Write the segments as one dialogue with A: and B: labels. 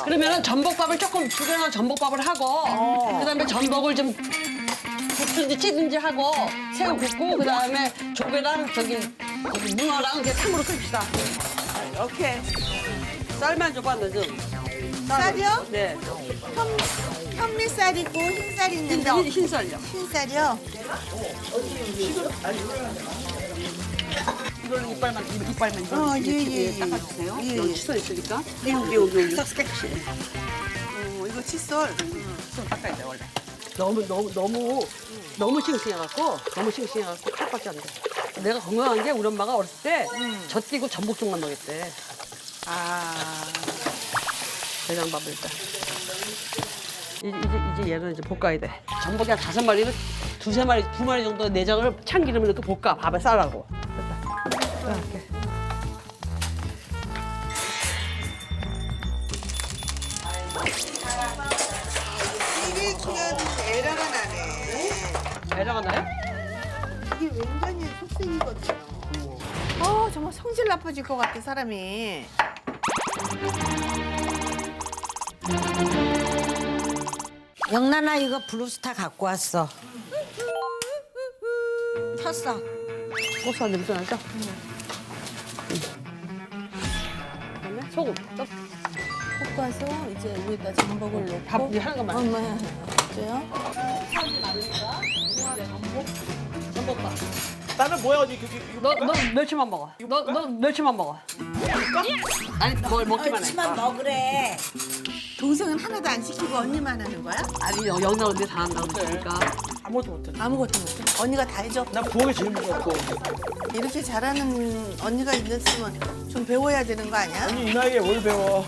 A: 그러면은 전복밥을 조금 두개나 전복밥을 하고 그다음에 전복을 좀 굽든지 찌든지 하고 새우 굽고 그다음에 조개랑 저기 문어랑 이제 탕으로 끓입시다.
B: 오케이.
A: 쌀만 줘봐 너 좀.
C: 쌀이요?
A: 네.
C: 현미쌀 있고 흰쌀 있는데
A: 흰쌀요.
C: 흰쌀이요?
A: 이걸로 이빨만
C: 예, 예, 예.
A: 닦아주세요.
C: 예,
A: 여기
C: 예.
A: 칫솔 있으니까. 여기.
C: 이거 칫솔.
A: 칫솔 닦아야 돼 원래. 너무 싱싱해갖고 칼밖에 안 돼. 내가 건강한 게 우리 엄마가 어렸을 때 젖띠고 전복죽만 먹였대.
C: 아.
A: 대장밥을 일단. 이제 얘는 이제 볶아야 돼. 전복이 한 5마리를 2-3마리, 2마리 정도 내장을 참기름에 넣고 볶아. 밥에 싸라고. 됐다. 이렇게.
C: 이게 중요한데 에러가 나네.
A: 에러가 나요?
C: 이게 왠장의 속생이거든요. 정말 성질 나빠질 것 같아, 사람이.
D: 영란아 이거 블루스타 갖고 왔어. 탔어.
A: 고소한 냄새 나죠? 그다음에 소금. 또
E: 볶아서 이제 위에다 전복을 넣고
A: 밥 이제 하는 것만.
E: 엄마 그래요?
A: 전복밥.
B: 나는 뭐야 언니
A: 너 멸치만 먹어. 너 멸치만 먹어. 아니 뭘 먹기만 해.
D: 치만 먹으래.
C: 동생은 하나도 안 시키고 언니만 하는 거야?
A: 아니 영나 언니 다 한다고 그러니까.
B: 아무것도 못해.
C: 아무것도 못해. 언니가 다 해줘.
B: 난 부엌에 제일 무섭고.
C: 이렇게 잘하는 언니가 있으면 좀 배워야 되는 거 아니야?
B: 언니 이 나이에 뭘 배워?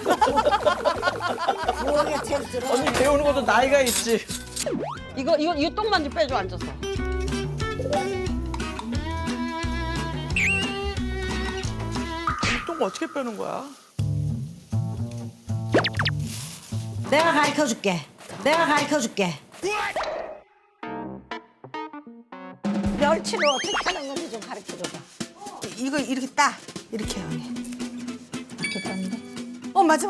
D: 부엌에 제일 들어.
B: 언니 배우는 것도 나이가 있지.
A: 이거 똥만 좀 빼줘 앉아서.
B: 똥 어떻게 빼는 거야?
D: 내가 가르쳐 줄게. 멸치를 어떻게 하는 건지 좀 가르쳐 줘봐.
C: 이거 이렇게 따. 이렇게 해, 언니.
E: 이렇게 땄는데
C: 맞아.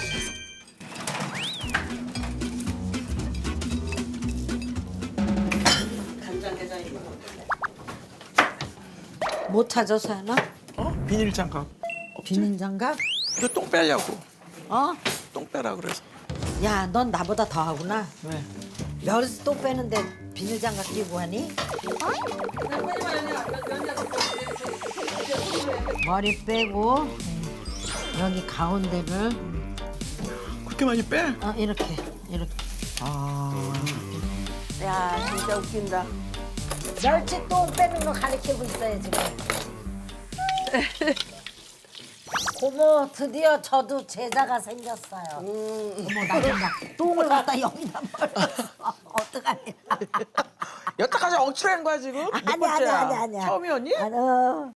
D: 못 찾아서 하나?
B: 비닐 장갑.
D: 비닐 장갑?
B: 이거 똥 빼려고.
D: 어?
B: 똥 빼라 그래서.
D: 야, 넌 나보다 더 하구나.
B: 왜?
D: 멸치 또 빼는데 비닐 장갑 끼고 하니? 머리 빼고 여기 가운데를
B: 그렇게 많이 빼?
D: 이렇게.
C: 야, 진짜 웃긴다.
D: 멸치 똥 빼는 거 가르치고 있어요 지금. 고모 드디어 저도 제자가 생겼어요. 어머 나 똥을 갖다 여기다 버렸어. 어떡하냐.
B: 여태까지 억지로 한 거야 지금? 몇 번째야?
D: 아니야.
B: 처음이 언니?
D: 아니,